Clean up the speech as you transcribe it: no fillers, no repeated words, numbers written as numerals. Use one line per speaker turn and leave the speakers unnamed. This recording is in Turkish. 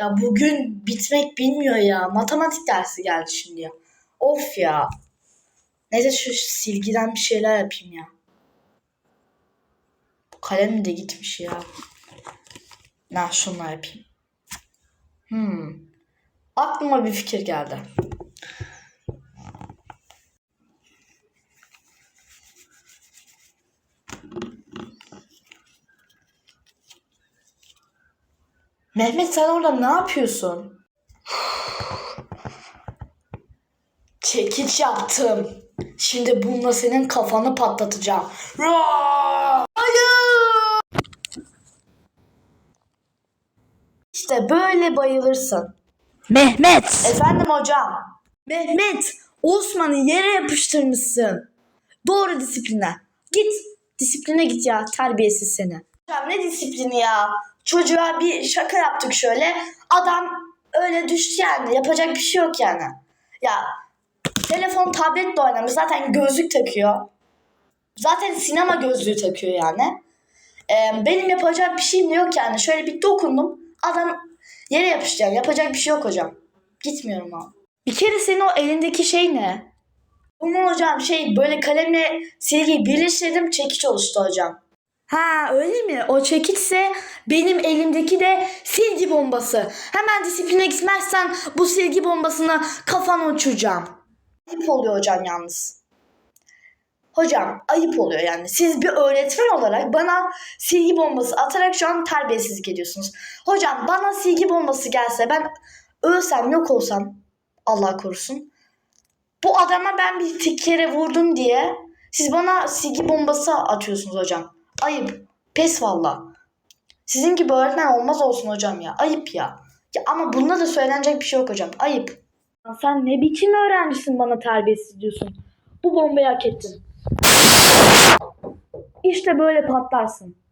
Ya bugün bitmek bilmiyor ya. Matematik dersi geldi şimdi ya. Of ya. Neyse şu silgiden bir şeyler yapayım ya. Bu kalem de gitmiş ya. Şunları yapayım. Aklıma bir fikir geldi. Mehmet sen orada ne yapıyorsun? Çekiç yaptım. Şimdi bununla senin kafanı patlatacağım. Hayır! İşte böyle bayılırsın.
Mehmet!
Efendim hocam. Mehmet, Osman'ı yere yapıştırmışsın. Doğru disipline. Git, disipline git ya, terbiyesiz seni. Hocam ne disiplini ya? Çocuğa bir şaka yaptık şöyle. Adam öyle düştü yani. Yapacak bir şey yok yani. Ya telefon, tabletle oynamış. Zaten gözlük takıyor. Zaten sinema gözlüğü takıyor yani. Benim yapacak bir şeyim de yok yani. Şöyle bir dokundum. Adam yere yapıştı yani. Yapacak bir şey yok hocam. Gitmiyorum abi. Bir kere senin o elindeki şey ne? Bunu hocam böyle kalemle silgiyi birleştirdim, çekiç oluştu hocam. Ha öyle mi? O çekiçse benim elimdeki de silgi bombası. Hemen disipline gitmezsen bu silgi bombasını kafana uçuracağım. Ayıp oluyor hocam yalnız. Hocam ayıp oluyor yani. Siz bir öğretmen olarak bana silgi bombası atarak şu an terbiyesizlik ediyorsunuz. Hocam bana silgi bombası gelse ben ölsem yok olsam Allah korusun. Bu adama ben bir kere vurdum diye siz bana silgi bombası atıyorsunuz hocam. Ayıp. Pes valla. Sizin gibi öğretmen olmaz olsun hocam ya. Ayıp ya. Ya ama bunda da söylenecek bir şey yok hocam. Ayıp. Sen ne biçim öğrencisin bana terbiyesiz diyorsun. Bu bombayı hak ettin. İşte böyle patlarsın.